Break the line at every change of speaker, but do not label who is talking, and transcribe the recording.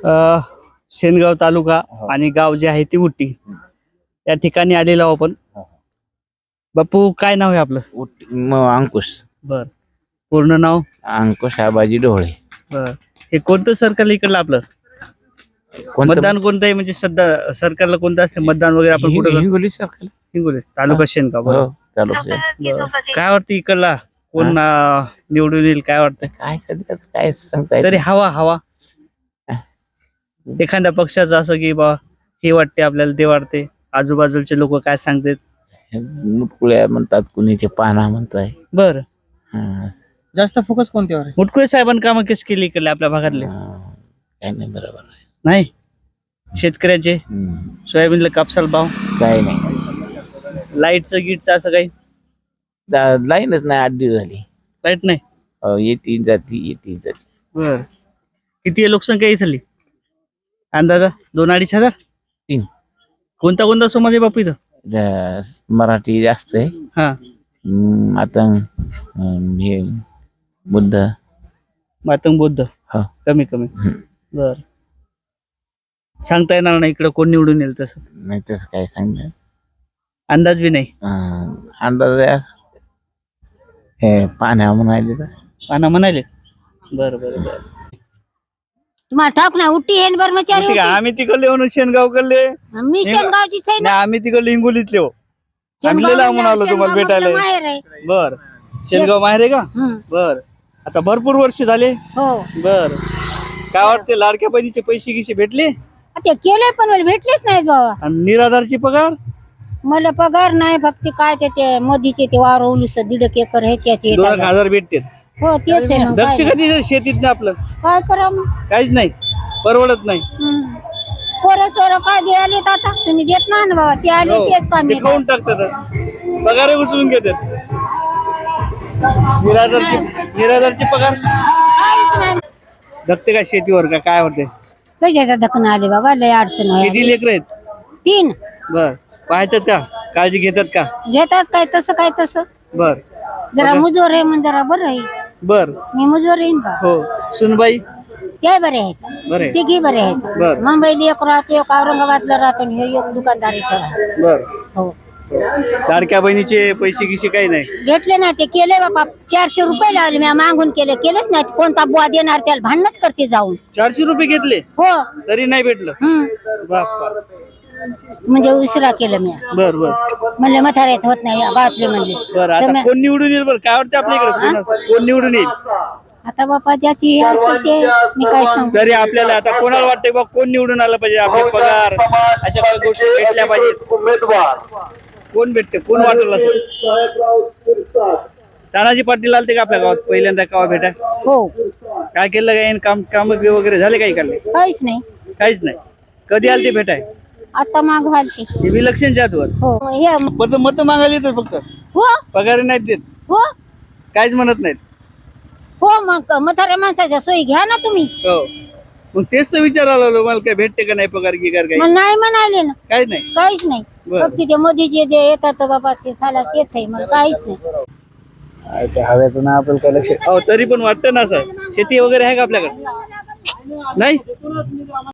अ, शेनगाव तालुका
हो.
आणि गाव जे आहे ती उटी या ठिकाणी आलेलो आहोत आपण. बापू काय नाव आहे आपलं?
अंकुश
बर, पूर्ण नाव?
अंकुश आबाजी ढोळे.
बर, हे कोणतं सरकार इकडलं आपलं? मतदान कोणतं आहे म्हणजे सध्या सरकारला कोणतं असतं मतदान वगैरे आपण कुठं करतो?
हिंगोली सरकार.
हिंगोली तालुका शेनगाव. बरं.
हो तालुका.
बरं. काय वाटतं इकडला कोण निवडून येईल काय वाटतं?
काय सध्याच काय सांगता येत
तरी हवा हवा एखाद्या पक्षाचं असं की बा हे वाटते आपल्याला ते वाटते, आजूबाजूचे लोक काय सांगतात?
नाही. मुटकुळ्या म्हणतात, कुणीचे पाना म्हणताय.
बर,
हा,
जास्त फोकस कोणत्यावर आहे?
मुटकुळे साहेबांनी कामं कशी केली इकडले आपल्या भागातले?
काय नाही, बरोबर आहे.
नाही, शेतकऱ्याचे सोयाबीनला कापसाला भाव,
काय नाही,
लाईटचं गीटचं असं काही?
लाईनच नाही, 8 दिवस झाली.
लाईट नाही.
येती जाती.
बर, किती आहे लोकसंख्या इथली अंदाजा? 2-2.5 हजार?
3.
कोणता कोणता समाज आहे बापू इथं?
मराठी जास्त आहे.
हा,
आता हे बुद्ध.
मातंग बौद्ध
हा.
कमी. बर, सांगता येणार नाही इकडं कोण निवडून येईल तसं?
नाही तसं काय सांगणार,
अंदाज बी नाही.
अंदाज आहे असं. हे पाण्या म्हणाले तर
पाना म्हणाले. बरं बरं बरं,
तुम्हाला ठाक ना उठी हेन कर्मचारी
ठीक आहे. आम्ही तिकडले म्हणून शेनगाव कडले,
मी शेनगावचीच आहे ना.
आम्ही तिकडले हिंगोलीतले हो. आम्ही
शेनगाव
लांबून आलो तुम्हाला
शेनगाव
भेटायला.
माहेर आहे.
बर, शेनगाव माहेर आहे का?
हं.
बर, आता भरपूर वर्ष झाले.
हो,
बर, काय वाटते लाडक्या बहिणीचे पैसे गिसे भेटले?
ते केले पण मला भेटलेच नाहीत बाबा.
आणि निराधारची पगार?
मला पगार नाही, फक्त काय ते मोदीचे ते वावर उलूस 1.5 एकर आहे त्याचे
2,000 भेटते.
हो तेच आहे मग
दगते
काय
कधी शेतीत ना आपलं
काय करा मग.
काहीच नाही, परवडत नाही.
पोरं सोरं काय द्यायले आता तुम्ही देत नाही ना बाबा, ते आले
हो,
तेच काम
ते खाऊन टाकतात, पगार उचलून घेतात. निराधारची पगार
काहीच नाही.
दगते काय शेतीवर का काय होते?
कशाचा धक्कन आले बाबा, लय अडचण आहे.
किती लेकर आहेत?
3
बर, पाहतात का, काळजी घेतात का?
घेतात काय तसं
बर
जरा मुजोर आहे म्हणून जरा बरं आहे.
बर,
मी मुजोर येईन बा.
हो. सुनबाई
ते बरे आहेत,
बरे?
तिघी बरे आहेत.
बर.
मुंबईला एक राहतो, एक औरंगाबादला राहतो, आणि हे एक दुकानदार इथं राहतो.
बर,
हो,
लाडक्या बहिणीचे पैसे गिसे काही नाही
भेटले ना. ते केले बाबा, 400 रुपये लावले मी मागून केलेच नाही. कोणता बुवा देणार त्याला भांडणच करते जाऊन.
400 रुपये घेतले
हो.
तरी नाही भेटलं? बाप,
म्हणजे उशिरा केलं मी.
बर बर
म्हणले म्हाताऱ्यात होत नाही गावातले म्हणले.
बर, आता कोण निवडून येईल? बरं, काय वाटतं आपल्या इकडे कोण निवडून येईल?
आता बापा ज्याची हे असेल ते मी काय सांगू.
तरी आपल्याला आता कोणाला वाटतंय बा कोण निवडून आलं पाहिजे? आपले पगार अशा काही गोष्टी भेटल्या पाहिजेत. कोण भेटते, कोण वाटेल असं? तानाजी पाटील आलते का आपल्या गावात पहिल्यांदा गावात भेटाय?
हो,
काय केलं काय काम वगैरे झाले काही काढले?
काहीच नाही.
काहीच नाही. कधी आलते भेटाय?
आता माग घालते.
हे विलक्षणच्या आतवर
हो, हे
मत मागायला येतात फक्त,
हो
पगार नाहीत देत,
हो
काहीच म्हणत नाहीत.
हो, मग म्हाताऱ्या माणसाच्या सोयी घ्या ना तुम्ही.
हो, मग तेच तर विचारायला लागलो, मला काय भेटते का नाही पगार गिगार काही?
मला नाही म्हणाले ना,
काहीच नाही.
काहीच नाही.
बरं.
फक्त ते मोदीचे जे येतात बाबा ते साला तेच आहे, मला काहीच नाही.
त्या हव्याचं ना आपल्याला काय लक्ष
हो, तरी पण वाटतं ना असं शेती वगैरे आहे का आपल्याकडे? नाही.